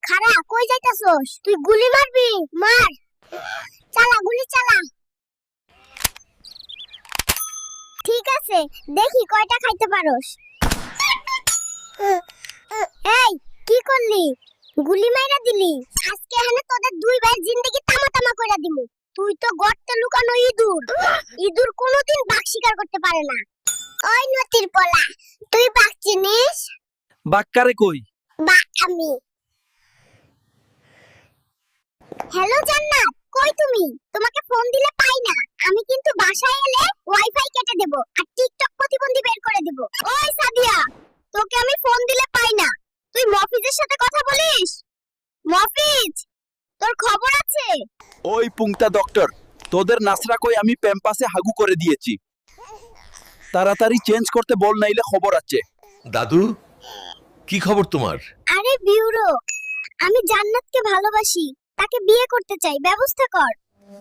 খারা কই যাইতাছস? তুই গুলি মারবি? মার। চালা গুলি চালা। ঠিক আছে, দেখি কয়টা খাইতে পারোস। এই কি করলি? গুলি মাইরা দিলি। আজকে এখানে তোদের দুই ভাইয়ের জিন্দেগি তামা তামা কইরা দিমু। তুই তো গর্তে লুকানো ইঁদুর। ইঁদুর কোনোদিন বাঘ শিকার করতে পারে না। ওই নতির পোলা, তুই বাঘ চিনিস? বাক্কারে কই? বাঘ আমি। হ্যালো জান্নাত, কই তুমি? তোমাকে ফোন দিলে পাই না। আমি কিন্তু বাসায় এলে ওয়াইফাই কেটে দেব আর টিকটক প্রতিবন্ধী বের করে দেব। ওই সাদিয়া, তোকে আমি ফোন দিলে পাই না। তুই মফিজের সাথে কথা বলিস? মফিজ, তোর খবর আছে? ওই পুংতা ডক্টর, তোদের নাসরা কই আমি প্যাম্পাসে হাগু করে দিয়েছি। তাড়াতাড়ি চেঞ্জ করতে বল, নাইলে খবর আছে। দাদু, কি খবর তোমার? আরে বিউরো, আমি জান্নাতকে ভালোবাসি। তাকে বিয়ে করতে চাই, ব্যবস্থা কর।